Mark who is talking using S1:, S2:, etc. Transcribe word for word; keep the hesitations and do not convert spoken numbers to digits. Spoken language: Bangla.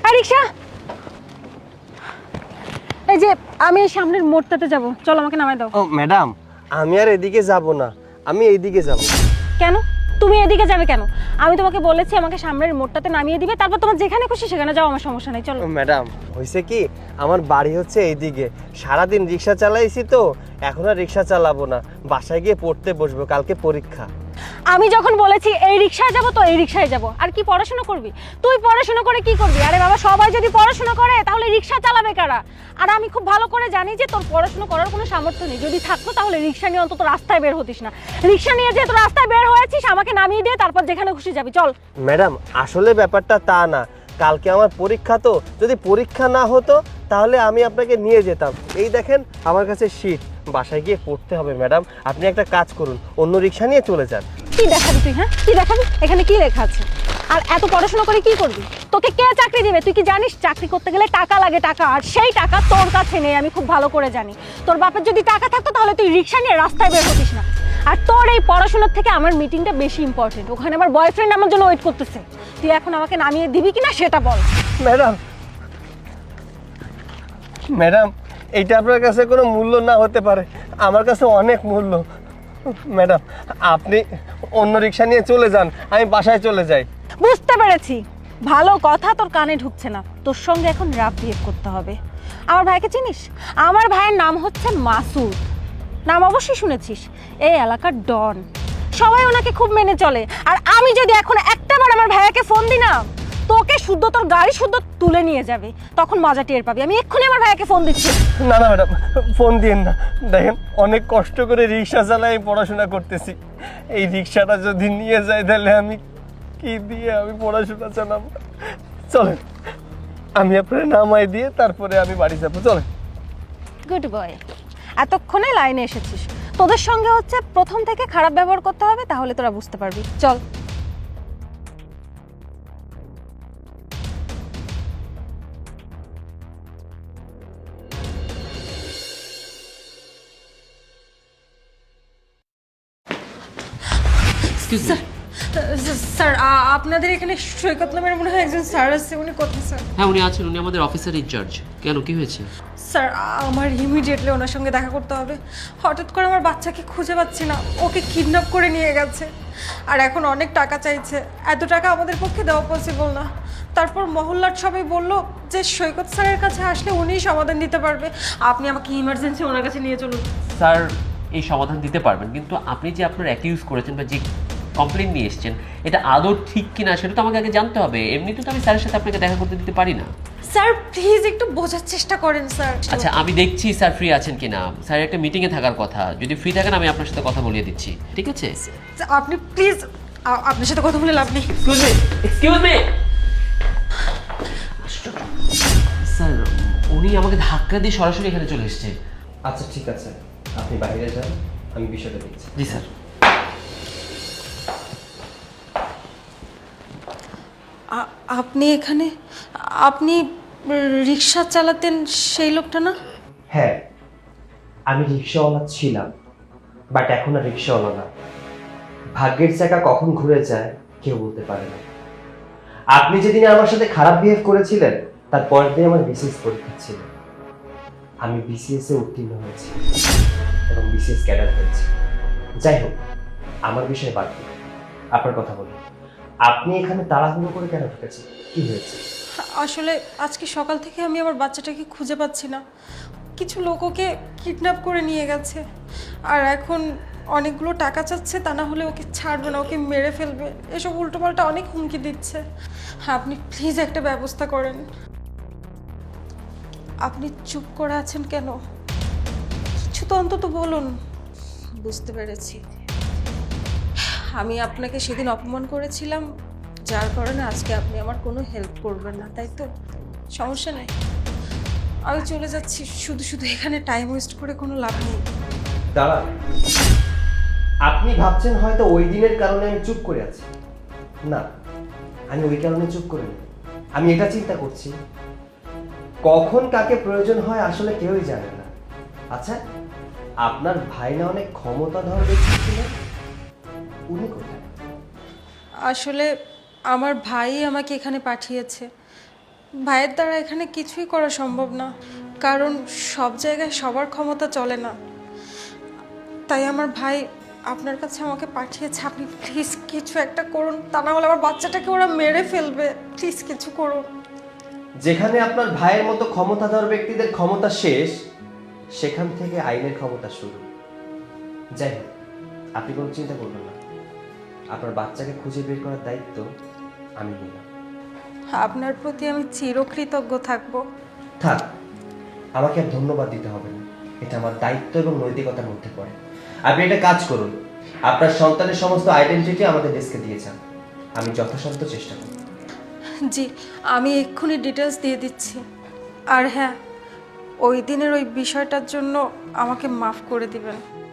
S1: আর রিক্সা, এই যে আমি সামনের মোড়টাতে যাব, চল আমাকে নামাই দাও।
S2: ও ম্যাডাম, আমি আর এদিকে যাব না, আমি এইদিকে যাব।
S1: কেন তুমি এদিকে যাবে কেন? আমি তোমাকে বলেছি আমাকে সামনের মোড়টাতে নামিয়ে দিবে, তারপর তোমার যেখানে খুশি সেখানে যাও, আমার সমস্যা নেই, চলো।
S2: ম্যাডাম হয়েছে কি, আমার বাড়ি হচ্ছে এইদিকে, সারাদিন রিক্সা চালাইছি তো, এখন আর রিক্সা চালাবো না, বাসায় গিয়ে পড়তে বসবো, কালকে পরীক্ষা।
S1: আমি যখন বলেছি এই রিক্সায় যাব তো এই রিক্সায় যাব, আর কি পড়াশোনা করবি তুই? পড়াশোনা করে কি করবি? আরে বাবা, সবাই যদি পড়াশোনা করে তাহলে রিক্সা চালাবে কারা? আর আমি খুব ভালো করে জানি যে তোর পড়াশোনা করার কোনো সামর্থ্য নেই, যদি থাকতো তাহলে রিক্সা নিয়ে অন্তত রাস্তায় বের হতিস না। রিক্সা নিয়ে যেহেতু রাস্তায় বের হয়েছিস, আমাকে নামিয়ে দিয়ে তারপর যেখানে খুশি যাবি, চল।
S2: ম্যাডাম আসলে ব্যাপারটা তা না, কালকে আমার পরীক্ষা, তো যদি পরীক্ষা না হতো তাহলে আমি আপনাকে নিয়ে যেতাম। এই দেখেন আমার কাছে শীট, বাসায় গিয়ে পড়তে হবে। ম্যাডাম আপনি একটা কাজ করুন, অন্য রিক্সা নিয়ে চলে যান।
S1: কি দেখাবি তুই? হ্যাঁ কি দেখাবি? এখানে কি লেখা আছে? আর এত পড়াশোনা করে কি করবি? তোকে কে চাকরি দিবে? তুই কি জানিস চাকরি করতে গেলে টাকা লাগে, টাকা, আর সেই টাকা তোর কাছে নেই, আমি খুব ভালো করে জানি। তোর বাপের যদি টাকা থাকতো তাহলে তুই রিক্সা নিয়ে রাস্তায় বের হতিস না। আর তোর এই পড়াশোনার থেকে আমার মিটিংটা বেশি ইম্পর্টেন্ট, ওখানে আমার বয়ফ্রেন্ড আমার জন্য ওয়েট করতেছে। তুই এখন আমাকে নামিয়ে দিবি কিনা সেটা বল।
S2: ম্যাডাম ম্যাডাম এইটা আপনার কাছে কোনো মূল্য না হতে পারে, আমার কাছে অনেক মূল্য। ম্যাডাম আপনি অন্য রিক্সা নিয়ে চলে যান, আমি বাসায় চলে যাই।
S1: বুঝতে পেরেছি, ভালো কথা তোর কানে ঢুকছে না, তোর সঙ্গে এখন রাফ বিহেভ করতে হবে। আমার ভাইকে চিনিস? আমার ভাইয়ের নাম হচ্ছে মাসুদ, নাম অবশ্যই শুনেছিস, এই এলাকার ডন, সবাই ওনাকে খুব মেনে চলে। আর আমি যদি এখন একটাবার আমার ভাইয়াকে ফোন দিই না, তোকে শুদ্ধ তোর গাড়ি শুদ্ধ তুলে নিয়ে যাবে, তখন মজা টের পাবি। আমি এক্ষুনি আমার ভাইয়াকে ফোন দিচ্ছি।
S2: না না ম্যাডাম, ফোন দিন না, দেখেন অনেক কষ্ট করে রিক্সা চালাই পড়াশোনা করতেছি, এই রিক্সাটা যদি নিয়ে যায় তাহলে আমি কি দিয়ে আমি পড়াশোনা চালাবো? চলেন আমি আপনার নামাই দিয়ে তারপরে আমি বাড়ি যাবো, চলেন।
S1: গুড বয়, এতক্ষণে লাইনে এসেছিস। তোদের সঙ্গে হচ্ছে প্রথম থেকে খারাপ ব্যবহার করতে হবে, তাহলে তোরা বুঝতে পারবি, চল। স্যার, আপনাদের এখানে সৈকত নামের মনে হয় একজন স্যার আছে, উনি কোথায় স্যার?
S3: হ্যাঁ উনি আছেন, উনি আমাদের অফিসার ইনচার্জ। কেন, কি হয়েছে?
S1: স্যার আমার ইমিডিয়েটলি ওনার সঙ্গে দেখা করতে হবে। হঠাৎ করে আমার বাচ্চাকে খুঁজে পাচ্ছি না, ওকে কিডন্যাপ করে নিয়ে গেছে, আর এখন অনেক টাকা চাইছে। এত টাকা আমাদের পক্ষে দেওয়া পসিবল না। তারপর মহল্লার সবাই বলল যে সৈকত স্যারের কাছে আসলে উনিই সমাধান দিতে পারবে, আপনি আমাকে ইমার্জেন্সি ওনার কাছে নিয়ে চলুন।
S3: স্যার এই সমাধান দিতে পারবেন, কিন্তু আপনি যে আপনার অ্যাকিউজ করেছেন বা যে কমপ্লেন নিয়ে এসেছেন, এটা আদৌ ঠিক কিনা সেটা তো আমাকে আগে জানতে হবে। এমনিতে তো আমি স্যারের সাথে আপনাকে দেখা করতে দিতে পারি না।
S1: স্যার প্লিজ একটু বোঝার চেষ্টা করেন স্যার।
S3: আচ্ছা আমি দেখছি স্যার ফ্রি আছেন কিনা। স্যার একটা মিটিংয়ে থাকার কথা, যদি ফ্রি থাকেন আমি আপনার সাথে কথা বলিয়ে দিচ্ছি, ঠিক আছে?
S1: আপনি প্লিজ, আপনার সাথে কথা বলে লাভ নেই।
S3: Excuse me, excuse me. Sir উনি আমাকে ধাক্কা দিয়ে সরাসরি এখানে চলে এসেছে।
S2: আচ্ছা ঠিক আছে, আপনি বাইরে যান, আমি বিষয়টা দেখছি।
S3: জি স্যার।
S1: আপনি এখানে? আপনি রিক্সা চালাতেন সেই লোকটা না?
S2: হ্যাঁ আমি রিক্সাওয়ালা ছিলাম, বাট এখন আর রিক্সাওয়ালা না। ভাগ্যের চাকা কখন ঘুরে যায় কেউ বলতে পারে না। আপনি যেদিন আমার সাথে খারাপ বিহেভ করেছিলেন তার পরের দিন আমার বিসিএস পরীক্ষা ছিল, আমি বিসিএস এ উত্তীর্ণ হয়েছি এবং বিসিএস ক্যাডার হয়েছি। যাই হোক আমার বিষয়ে বাদ দিন, আপনার কথা বলুন, আপনি এখানে তাড়াহুড়ো করে কেন ঢুকেছেন, কি হয়েছে?
S1: আসলে আজকে সকাল থেকে আমি আমার বাচ্চাটাকে খুঁজে পাচ্ছি না, কিছু লোক ওকে কিডন্যাপ করে নিয়ে গেছে, আর এখন অনেকগুলো টাকা চাচ্ছে, তা না হলে ওকে ছাড়বে না, ওকে মেরে ফেলবে, এসব উল্টোপাল্টা অনেক হুমকি দিচ্ছে। আপনি প্লিজ একটা ব্যবস্থা করেন। আপনি চুপ করে আছেন কেন? কিছু তো অন্তত বলুন। বুঝতে পেরেছি, আমি আপনাকে সেদিন অপমান করেছিলাম, যার কারণে আজকে আপনি আমার কোনো হেল্প করবেন না, তাই তো? সমস্যা নেই, আমি চলে যাচ্ছি, শুধু শুধু এখানে টাইম ওয়েস্ট করে কোনো লাভ নেই।
S2: দাঁড়া, আপনি ভাবছেন হয়তো ওই দিনের কারণে আমি চুপ করে আছি। না, আমি ওই কারণে চুপ করিনি, আমি এটা চিন্তা করছি কখন কাকে প্রয়োজন হয় আসলে কেউই জানে না। আচ্ছা আপনার ভাই না অনেক ক্ষমতাধর ব্যক্তি ছিলেন, উনি কোথায়?
S1: আসলে আমার ভাই আমাকে এখানে পাঠিয়েছে, ভাইয়ের দ্বারা এখানে কিছুই করা সম্ভব না, কারণ সব জায়গায় সবার ক্ষমতা চলে না। তাই আমার ভাই আপনার কাছে আমাকে পাঠিয়েছে। আপনি প্লিজ কিছু একটা করুন, তা না হলে আমার বাচ্চাটাকে ওরা মেরে ফেলবে। প্লিজ কিছু করুন।
S2: যেখানে আপনার ভাইয়ের মতো ক্ষমতাধর ব্যক্তিদের ক্ষমতা শেষ, সেখান থেকে আইনের ক্ষমতা শুরু। যাই হোক, আপনি কোনো চিন্তা করবেন না, আপনার বাচ্চাকে খুঁজে বের করার দায়িত্ব আমি নিলাম।
S1: আপনার প্রতি আমি চিরকৃতজ্ঞ থাকব।
S2: থাক, আমাকে আর ধন্যবাদ দিতে হবে না, এটা আমার দায়িত্ব এবং নৈতিকতার মধ্যে পড়ে। আপনি একটা কাজ করুন, আপনার সন্তানের সমস্ত আইডেন্টিটি আমাদের ডেস্কে দিয়ে যান, আমি যথাসাধ্য চেষ্টা করব।
S1: জি, আমি এক্ষুনি ডিটেলস দিয়ে দিচ্ছি। আর হ্যাঁ, ওই দিনের ওই বিষয়টার জন্য আমাকে মাফ করে দিবেন।